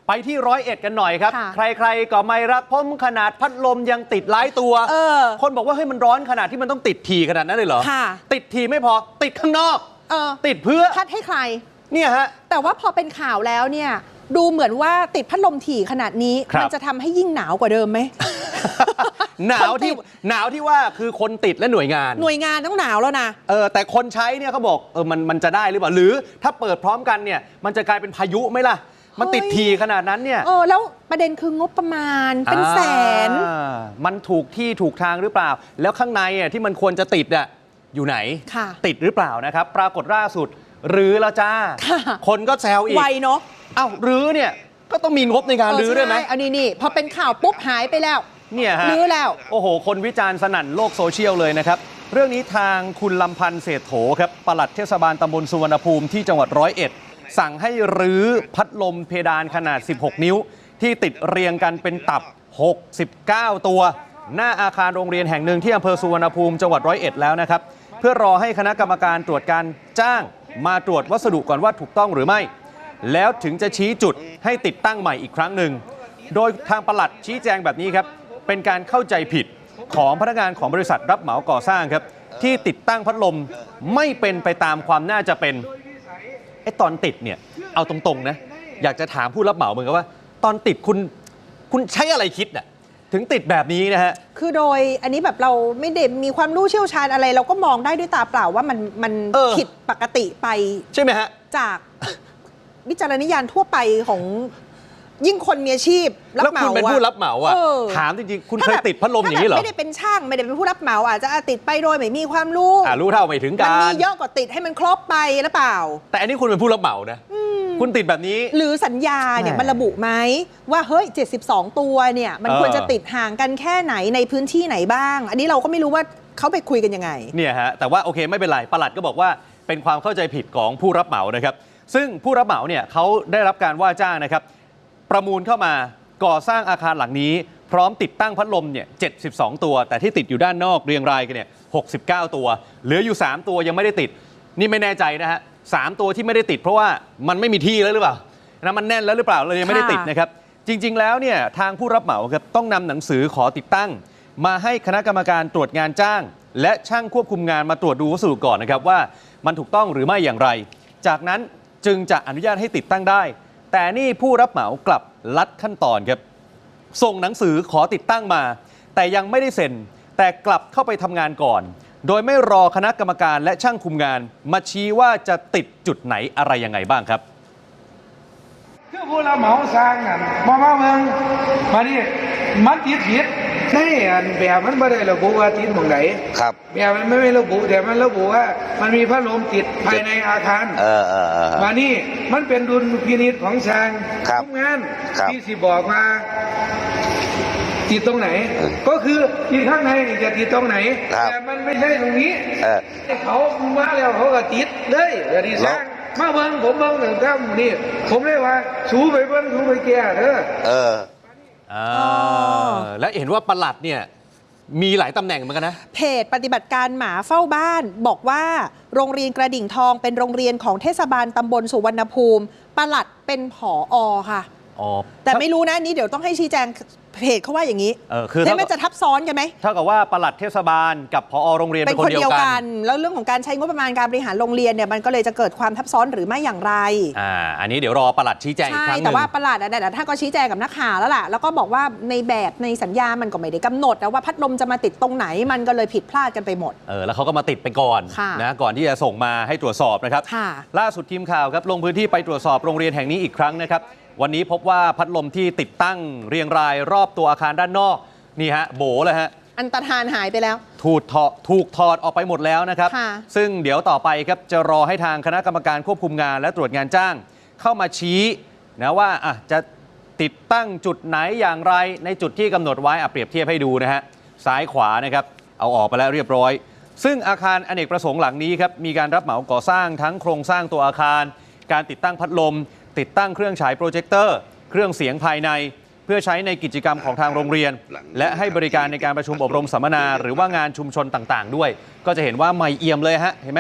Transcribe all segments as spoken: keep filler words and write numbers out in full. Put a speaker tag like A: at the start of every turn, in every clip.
A: ไปที่ร้อยเอ็ดกันหน่อยครับใครๆก็ไม่รักผมขนาดพัดลมยังติดหลายตัวคนบอกว่าเฮ้ยมันร้อนขนาดที่มันต้องติดทีขนาดนั้นเลยเหรอติดทีไม่พอติดข้างนอกติดเพื่อ
B: พัดให้ใคร
A: เนี่ยฮะ
B: แต่ว่าพอเป็นข่าวแล้วเนี่ยดูเหมือนว่าติดพัดลมถี่ขนาดนี้มันจะทำให้ยิ่งหนาวกว่าเดิมไหม
A: หนาวที่หนาวที่ว่าคือคนติดและหน่วยงาน
B: หน่วยงานต้องหนาวแล้วนะ
A: เออแต่คนใช้เนี่ยเขาบอกเออมันมันจะได้หรือเปล่าหรือถ้าเปิดพร้อมกันเนี่ยมันจะกลายเป็นพายุไหมล่ะมันติดทีขนาดนั้นเนี่ย
B: เออแล้วประเด็นคืองบประมาณเป็นแสน
A: มันถูกที่ถูกทางหรือเปล่าแล้วข้างในอ่ะที่มันควรจะติดอ่ะอยู่ไหนติดหรือเปล่านะครับปรากฏล่าสุดรื้อแล้วจ้าคนก็แซวอีก
B: ไวเนาะ
A: เอ้ารื้อเนี่ยก็ต้องมีงบในการรื้อด้วยไหม
B: อันนี้นี่พอเป็นข่าวปุ๊บหายไปแล้ว
A: เนี่ยฮะ
B: รื้อแล้ว
A: โอ้โหคนวิจารณ์สนั่นโลกโซเชียลเลยนะครับเรื่องนี้ทางคุณลำพันธ์เศรษฐโถครับปลัดเทศบาลตำบลสุวรรณภูมิที่จังหวัดร้อยเอ็ดสั่งให้รื้อพัดลมเพดานขนาดสิบหกนิ้วที่ติดเรียงกันเป็นตับหกสิบเก้าตัวหน้าอาคารโรงเรียนแห่งหนึ่งที่อำเภอสุวรรณภูมิจังหวัดร้อยเอ็ดแล้วนะครับเพื่อรอให้คณะกรรมการตรวจการจ้างมาตรวจวัสดุก่อนว่าถูกต้องหรือไม่แล้วถึงจะชี้จุดให้ติดตั้งใหม่อีกครั้งหนึ่งโดยทางปลัดชี้แจงแบบนี้ครับเป็นการเข้าใจผิดของพนักงานของบริษัทรับเหมาก่อสร้างครับที่ติดตั้งพัดลมไม่เป็นไปตามความน่าจะเป็นไอ้ตอนติดเนี่ยเอาตรงๆนะอยากจะถามผู้รับเหมาเหมือนกันว่าตอนติดคุณคุณใช้อะไรคิดอะถึงติดแบบนี้นะฮะ
B: คือโดยอันนี้แบบเราไม่ได้มีความรู้เชี่ยวชาญอะไรเราก็มองได้ด้วยตาเปล่าว่ามันมันผิดปกติไป
A: ใช่ไหมฮะ
B: จากวิจารณญาณทั่วไปของยิ่งคนมีอาชีพ
A: รับเหมาแล้วคุณเป็นผู้รับเหมาอ่ะถามจริงๆคุณเคยติดพัดลมอย่างนี้เหรอ
B: ไม่ได้เป็นช่างไม่ได้เป็นผู้รับเหมาอาจจะติดไปโดยไม่มีความรู้
A: อ่ารู้เท่าไม่ถึงการ
B: มันมีเยอะกว่าติดให้มันครบไปหรือเปล่า
A: แต่อันนี้คุณเป็นผู้รับเหมานะคุณติดแบบนี้
B: หรือสัญญาเนี่ยมันระบุไหมว่าเฮ้ยเจ็ดสิบสองตัวเนี่ยมันควรจะติดห่างกันแค่ไหนในพื้นที่ไหนบ้างอันนี้เราก็ไม่รู้ว่าเขาไปคุยกันยังไง
A: เนี่ยฮะแต่ว่าโอเคไม่เป็นไรปลัดก็บอกว่าเป็นความเข้าใจผิดของผู้รับเหมานะครับซึ่งผู้รับเหมาเนี่ยเขาได้รับการว่าจ้างนะครับประมูลเข้ามาก่อสร้างอาคารหลังนี้พร้อมติดตั้งพัดลมเนี่ยเจ็ดสิบสองตัวแต่ที่ติดอยู่ด้านนอกเรียงรายกันเนี่ยหกสิบเก้าตัวเหลืออยู่สามตัวยังไม่ได้ติดนี่ไม่แน่ใจนะฮะสามตัวที่ไม่ได้ติดเพราะว่ามันไม่มีที่แล้วหรือเปล่านะมันแน่นแล้วหรือเปล่าเลยยังไม่ได้ติดนะครับจริงๆแล้วเนี่ยทางผู้รับเหมาครับต้องนำหนังสือขอติดตั้งมาให้คณะกรรมการตรวจงานจ้างและช่างควบคุมงานมาตรวจดูวัสดุก่อนนะครับว่ามันถูกต้องหรือไม่อย่างไรจากนั้นจึงจะอนุญาตให้ติดตั้งได้แต่นี่ผู้รับเหมากลับลัดขั้นตอนครับส่งหนังสือขอติดตั้งมาแต่ยังไม่ได้เซ็นแต่กลับเข้าไปทำงานก่อนโดยไม่รอคณะกรรมการและช่างคุมงานมาชี้ว่าจะติดจุดไหนอะไรยังไงบ้างครับ
C: คือผู้รับเหมาสร้างนั่นมามาเมืองมาดิมันติดผิดใช่อันแบบมันไม่ได้ระบุว่าติดตรงไหน
D: ครับ
C: แบบมันไม่ได้ระบุแต่มันระบุว่ามันมีพัดลมติดภายในอาคาร
D: เออเออเออ
C: มานี่มันเป็นดุลพินิจของช่างคุมงานที่สิบอกมาติดตรงไหนก็คือติดข้างในจะติดตรงไหนแต่มันไม่ใช่ตรงนี้เขามาแล้วเขาก็ติดเลยอย่าดีสร้างมาเบิ้งผมเบิ้งหนึ่งครับนี่ผมเลยว่าสูไปเบิ้งสูไปแก่เด้อ
D: เออ
A: และเห็นว่าปลัดเนี่ยมีหลายตำแหน่งเหมือนกันนะ
B: เพจปฏิบัติการหมาเฝ้าบ้านบอกว่าโรงเรียนกระดิ่งทองเป็นโรงเรียนของเทศบาลตำบลสุวรรณภูมิปลัดเป็นผอ.ค่ะแต่ไม่รู้นะนี้เดี๋ยวต้องให้ชี้แจงเพจเขาว่าอย่างนี้
A: เออคือ
B: มันจะทับซ้อนกันไหม
A: เท่ากับว่าปลัดเทศบาลกับผอ.โรงเรียนเป็นคนเดียวกัน
B: แล้วเรื่องของการใช้งบประมาณการบริหารโรงเรียนเนี่ยมันก็เลยจะเกิดความทับซ้อนหรือไม่อย่างไร
A: อ่าอันนี้เดี๋ยวรอปลัดชี้แจงอีกครั้งนึง
B: ใช่แต่ว่าปลัดแต่ท่านก็ชี้แจงกับนักข่าวแล้วล่ะแล้วก็บอกว่าในแบบในสัญญามันก็ไม่ได้กำหนดนะว่าพัดลมจะมาติดตรงไหนมันก็เลยผิดพลาดกันไปหมด
A: เออแล้วเขาก็มาติดไปก่อนนะก่อนที่จะส่งมาให้ตรวจสอบนะครับล่าสุดทีมข่าวครับลงพื้นที่ไปตรวจสอบโรงเรียนแห่งนี้อีกครั้งนะครับวันนี้พบว่าพัดลมที่ติดตั้งเรียงรายรอบตัวอาคารด้านนอกนี่ฮะโบเลยฮะ
B: อันตรธานหายไปแล้ว
A: ถูกถอดถูกถอดออกไปหมดแล้วนะครับซึ่งเดี๋ยวต่อไปครับจะรอให้ทางคณะกรรมการควบคุมงานและตรวจงานจ้างเข้ามาชี้นะว่าอ่ะจะติดตั้งจุดไหนอย่างไรในจุดที่กำหนดไว้อ่ะเปรียบเทียบให้ดูนะฮะซ้ายขวานะครับเอาออกไปแล้วเรียบร้อยซึ่งอาคารอเนกประสงค์หลังนี้ครับมีการรับเหมาก่อสร้างทั้งโครงสร้างตัวอาคารการติดตั้งพัดลมติดตั้งเครื่องฉายโปรเจคเตอร์เครื่องเสียงภายในเพื่อใช้ในกิจกรรมของทางโรงเรียนและให้บริการในการประชุมอบรมสัมมนาหรือว่างานชุมชนต่างๆด้วยก็จะเห็นว่าใหม่เอี่ยมเลยฮะเห็นไหม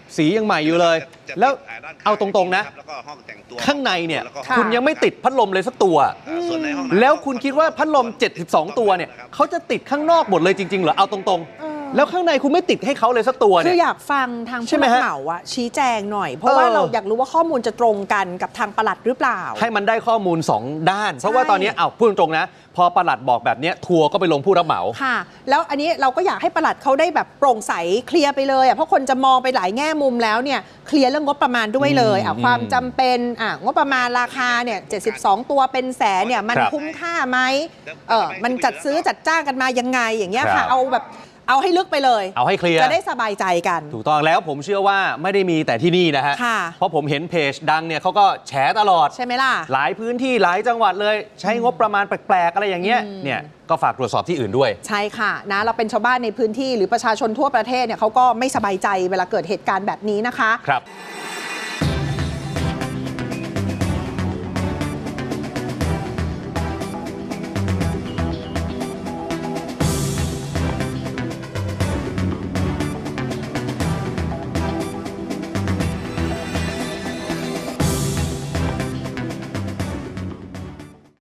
A: สียังใหม่อยู่เลย แล้วเอาตรงๆนะข้างในเนี่ยคุณยังไม่ติดพัดลมเลยสักตัวแล้วคุณคิดว่าพัดลมเจ็ดสิบสองตัวเนี่ยเขาจะติดข้างนอกหมดเลยจริงๆเหรอเอาตรงๆแล้วข้างในคุณไม่ติดให้เขาเลยสักตัวเนี่ย
B: คืออยากฟังทางผู้รับเหมาอะชี้แจงหน่อยเพราะว่าเราอยากรู้ว่าข้อมูลจะตรงกันกับทางปลัดหรือเปล่า
A: ให้มันได้ข้อมูลสองด้านเพราะว่าตอนนี้เอาพูดตรงๆนะพอปลัดบอกแบบนี้ทัวร์ก็ไปลงผู้รับเหมา
B: ค่ะแล้วอันนี้เราก็อยากให้ปลัดเขาได้แบบโปร่งใสเคลียร์ไปเลยอ่ะเพราะคนจะมองไปหลายแง่มุมแล้วเนี่ยเคลียร์เรื่องงบประมาณด้วยเลยอ่ะความจำเป็นอ่ะงบประมาณราคาเนี่ยเจ็ดสิบสองตัวเป็นแสนเนี่ยมันคุ้มค่าไหมเออมันจัดซื้อจัดจ้างกันมายังไงอย่างเงี้ยค่ะเอาแบบเอาให้ลึกไปเลย
A: เอาให้เคลียร์
B: จะได้สบายใจกัน
A: ถูกต้องแล้วผมเชื่อว่าไม่ได้มีแต่ที่นี่นะฮะเพราะผมเห็นเพจดังเนี่ยเขาก็แฉตลอด
B: ใช่ไหมล่ะ
A: หลายพื้นที่หลายจังหวัดเลยใช้งบประมาณแปลกๆอะไรอย่างเงี้ยเนี่ยก็ฝากตรวจสอบที่อื่นด้วย
B: ใช่ค่ะนะเราเป็นชาวบ้านในพื้นที่หรือประชาชนทั่วประเทศเนี่ยเขาก็ไม่สบายใจเวลาเกิดเหตุการณ์แบบนี้นะคะ
A: ครับ